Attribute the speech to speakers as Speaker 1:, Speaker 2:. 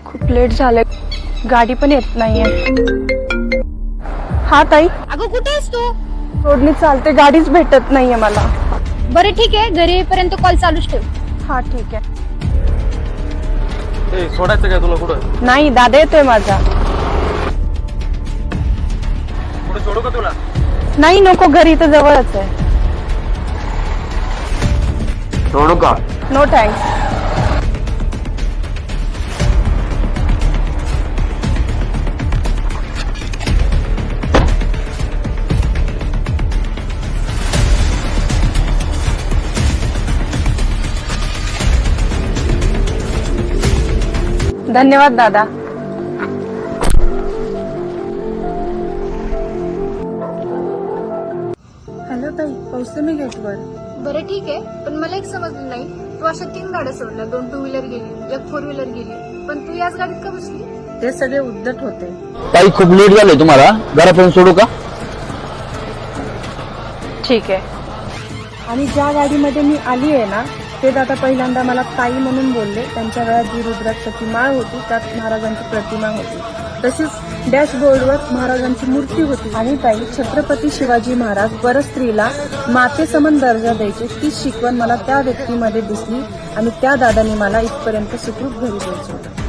Speaker 1: खूप लेट झालंय, गाडी पण येत नाहीये. हा ताई,
Speaker 2: अगं कुठे आहेस तू?
Speaker 1: रोडनी चालते, गाडीच भेटत नाहीये मला.
Speaker 2: बरं ठीक आहे, घरी येईपर्यंत कॉल चालूच ठेव.
Speaker 1: हा ठीक आहे.
Speaker 3: सोडायचं काय तुला कुठं?
Speaker 1: नाही, दादा येतोय माझा.
Speaker 3: कुठे सोडू का तुला?
Speaker 1: नाही नको, घरी तर जवळच आहे.
Speaker 3: सोडू का?
Speaker 1: No thanks. धन्यवाद दादा. हॅलो ताई, पोहोचते मी गेटवर.
Speaker 2: बरं ठीक आहे, पण मला एक समजलं नाही, तू अशा 3 गाड्या सोडल्या, 2 टू व्हीलर गेली, 1 4 व्हीलर गेली, पण तू याच गाडीत का बसली?
Speaker 1: ते सगळे उद्धट होते.
Speaker 4: ताई खूप लेट झालंय, तुम्हाला घरापर्यंत सोडू का?
Speaker 1: ठीक आहे. आणि ज्या गाडीमध्ये मी आली आहे ना, ते दादा पहिल्यांदा मला ताई म्हणून बोलले. त्यांच्या गळ्यात जी रुद्राक्षाची माळ होती त्यात महाराजांची प्रतिमा होती. तसेच डॅशबोर्डवर महाराजांची मूर्ती होती. आणि ताई, छत्रपती शिवाजी महाराज परस्त्रीला मातेसमान दर्जा द्यायचे, ती शिकवण मला त्या व्यक्तीमध्ये दिसली आणि त्या दादांनी मला इथपर्यंत सुखरूप घरी द्यायचं होतं.